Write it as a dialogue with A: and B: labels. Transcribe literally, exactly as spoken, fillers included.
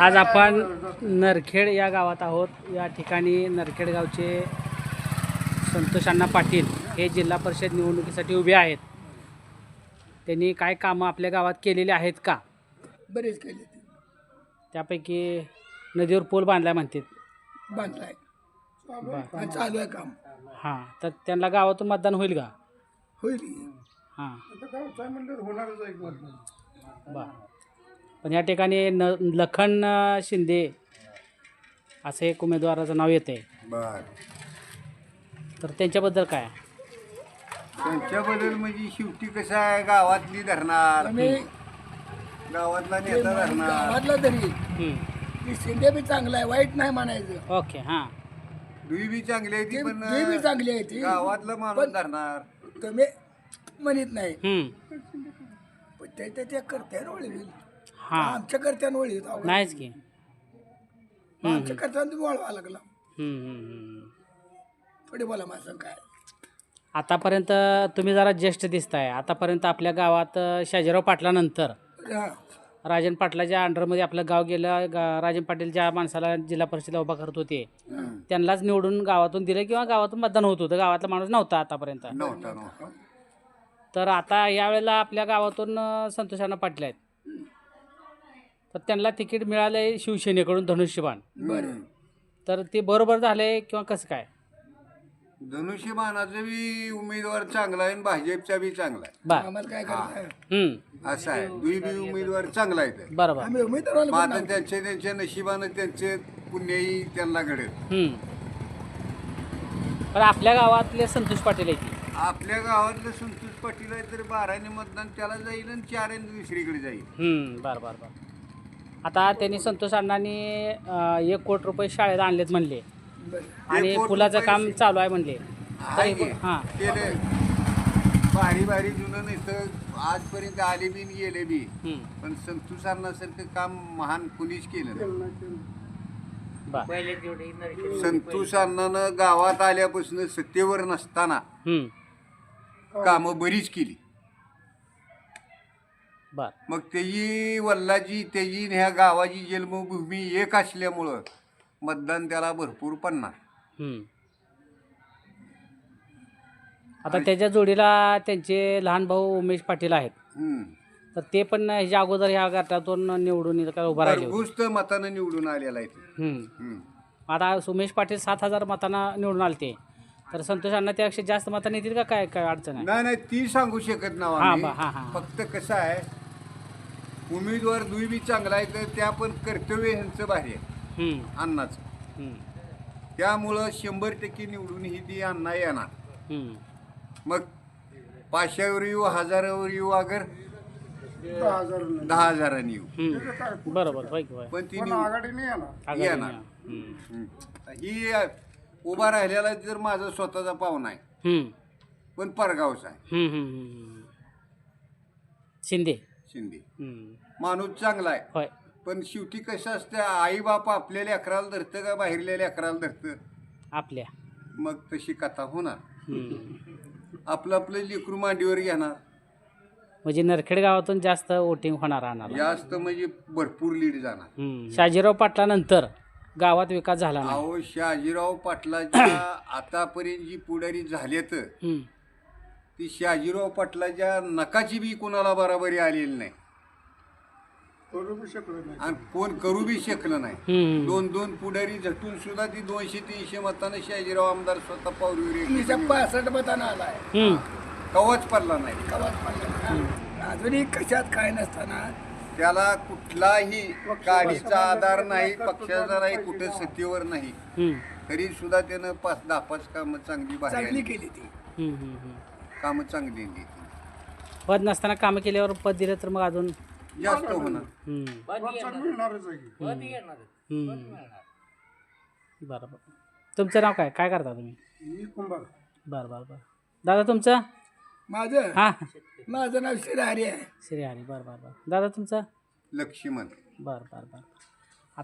A: आज आपण नरखेड या गावात आहोत। या ठिकाणी नरखेड गावचे संतोष अण्णा पाटील हे जिल्हा परिषद निवडणुकीसाठी उभे आहेत। त्यांनी काय कामं आपल्या गावात केलेली आहेत का?
B: बरेच केले ते
A: त्यापैकी नदीवर पूल बांधलाय म्हणतात।
B: बांधलाय आणि चालू आहे काम।
A: हां, तर त्यांना गावातून मतदान होईल का?
B: होईल
A: हां,
B: होणारच आहे।
A: बरं। पण या ठिकाणी न लखन शिंदे असं एक उमेदवाराचं नाव येते।
C: बर
A: तर त्यांच्याबद्दल काय?
C: त्यांच्याबद्दल म्हणजे शेवटी कसं आहे, गावातली धरणार,
B: आम्ही
C: गावातला नेता धरणार।
B: गावातला तरी
A: हं,
B: की शिंदे बी चांगला आहे, वाईट नाही म्हणायचं।
A: ओके। हां,
C: दुई बी चांगली आहे ती,
B: ते-
C: पण
B: ते बी चांगली आहे ती,
C: गावातला माणूस
B: पण-
C: धरणार।
B: तुम्ही म्हणत नाही,
A: हं,
B: पण ते त्याच्या करत्यानं वळी होईल।
A: हां,
B: आमच्या करत्यानं वळी होईल।
A: नाहीच की।
B: आमच्या करत्यानं तुम्ही वळवा लागला।
A: हं, हं, हं.
B: थोडी बोला माझं काय।
A: आतापर्यंत तुम्ही जरा ज्येष्ठ दिसताय। आतापर्यंत आपल्या गावात शाजीराव पाटलानंतर
B: हा,
A: राजन पाटलाच्या अंडरमध्ये आपलं गाव गेलं। गा राजन पाटील ज्या माणसाला जिल्हा परिषदेला उभा करत होते त्यांनाच निवडून गावातून दिलं किंवा गावातून मतदान होत होतं। गावातला माणूस नव्हता आतापर्यंत।
C: नव्हता नव्हता
A: तर आता यावेळेला आपल्या गावातून अ, संतोष अण्णा पाटील आहेत, तर त्यांना तिकीट मिळालंय शिवसेनेकडून धनुष्यबाण।
C: बरं।
A: तर ते बरोबर झाले किंवा कसं काय?
C: धनुष्यबाणाचा बी उमेदवार चांगला आहे आणि भाजपचा बी चांगला आहे,
A: बर।
B: आम्हाला काय करायचं आहे?
A: हं,
C: असं आहे। दुई बी उमेदवार चांगला आहे।
A: बरोबर।
B: आम्ही उमेदवाराला
C: मग
B: पण
C: आता
B: नाव-
C: त्यांच्या त्यांच्या नशिबानं त्यांचे पुण्यही त्यांना घडेल।
A: हं, पण आपल्या गावातले संतोष पाटील आहेत की?
C: आपल्या गावातलं संतोष पाटील आहे तर बाराने मतदान त्याला जाईल आणि चाराने दुसरीकडे जाईल।
A: हं, बरं बरं बरं। आता त्यांनी संतोष अण्णांनी अ, एक कोटी रुपये शाळेत आणलेत म्हणले
B: बरं.
A: आणि
C: कोटी
A: पुलाचं
C: रुपये
A: काम चालू आहे म्हणले।
C: आहे की?
A: हां,
C: केले भारी भारी जुनं इथं आजपर्यंत आले बी आणि गेले बी,
A: हं,
C: पण संतोष अण्णासारखं काम महान कुणीच केलं नाही।
A: बरं।
C: संतोष अण्णानं गावात आल्यापासून सत्तेवर नसताना
A: हं,
C: कामं बरीच केली।
A: बरं।
C: मग त्याची वल्लाची त्याची आणि ह्या गावाची जन्मभूमी एक असल्यामुळं मतदान त्याला भरपूर पडणार।
A: हं. आता त्याच्या जोडीला त्यांचे लहान भाऊ उमेश पाटील आहेत,
C: हम्म.
A: तर ते पण ह्याच्या अगोदर ह्या गटातून निवडून इथं काय उभा राहिले होते।
C: भरघोस तर मतानं निवडून आलेला आहे ते।
A: हं.
C: हम्म.
A: आता उमेश पाटील सात हजार मतांना निवडून आले ते, तर संतोष अण्णा त्यापेक्षा जास्त मतांनी येतील का? काय काय अडचण आहे?
C: नाही नाही ती सांगू शकत नाही
A: हां,
C: आम्ही।
A: बा- हां, हां.
C: फक्त कसं आहे, उमेदवार दुई बी चांगला आहे तर त्या पण कर्तव्य ह्यांचं भारी आहे
A: हं,
C: अण्णाचं।
A: हं,
C: त्यामुळं शंभर टक्के निवडून ही ती अण्णा येणार।
A: हं.
C: मग पाचशेवर येऊ, हजारावर येऊ, अगर दहा हजारांनी येऊ,
A: हं. बरोबर, होय की होय.
C: पण ती निवड-
A: आघाडीने
C: येणार।
A: येणार. हं,
C: हम्म. ही अ, उभा राहिलेला जर माझा स्वतःचा पाहुणा आहे,
A: हं,
C: पण परगावचा आहे
A: हं, हं, हं. शिंदे।
C: शिंदे।
A: हं,
C: माणूस चांगला आहे,
A: होय,
C: पण शेवटी कसं असतं, आई बाप आपल्या लेकराला धरतं का बाहेरल्या लेकराला धरतं,
A: आपल्या।
C: मग तशी कथा होणार।
A: हं.
C: आपलं आपलं लेकरू मांडीवर घेणार,
A: म्हणजे नरखेड गावातून जास्त वोटिंग होणार राहणार।
C: जास्त म्हणजे भरपूर लीड जाणार।
A: हं. शाजीराव पाटलानंतर गावात विकास झाला नाही।
C: अहो शहाजीराव पाटलाच्या आतापर्यंत जी पुढारी झालेत
A: हं,
C: ती शहाजीराव पाटलाच्या नकाची बी कोणाला बराबरी आलेली नाही आणि कोण करू बी शकलं नाही।
A: हं,
C: दोन दोन पुढारी झटून सुद्धा ती दोनशे तीनशे मतानं शहाजीराव आमदार स्वतः पावरीवर
B: तीनशे पासष्ट मतानं आलाय,
A: हं,
C: कवच पडला नाही।
B: गावात पडला। अजूनही कशात काय नसताना
C: त्याला कुठलाही गाडीचा आधार नाही, पक्षाचा नाही, कुठे सत्तेवर नाही,
A: हं,
C: तरी सुद्धा त्यानं पाच दहा पाच कामं चांगली बाहेर
B: चांगली
C: आली।
B: केली ती।
A: हं, हं, हं.
C: कामं चांगली दिली,
A: पद नसताना कामं केल्यावर पद दिलं तर मग अजून
C: जास्त होणार।
A: हं, हं. बरं बरं। तुमचं नाव काय काय करता तुम्ही? बरं बरं बरं। दादा तुमचं?
B: माझं
A: हां,
B: माझं नाव श्रीहरी आहे।
A: श्री हरी। बरं बरं बरं। दादा तुमचं?
C: लक्ष्मण।
A: बरं बरं बरं।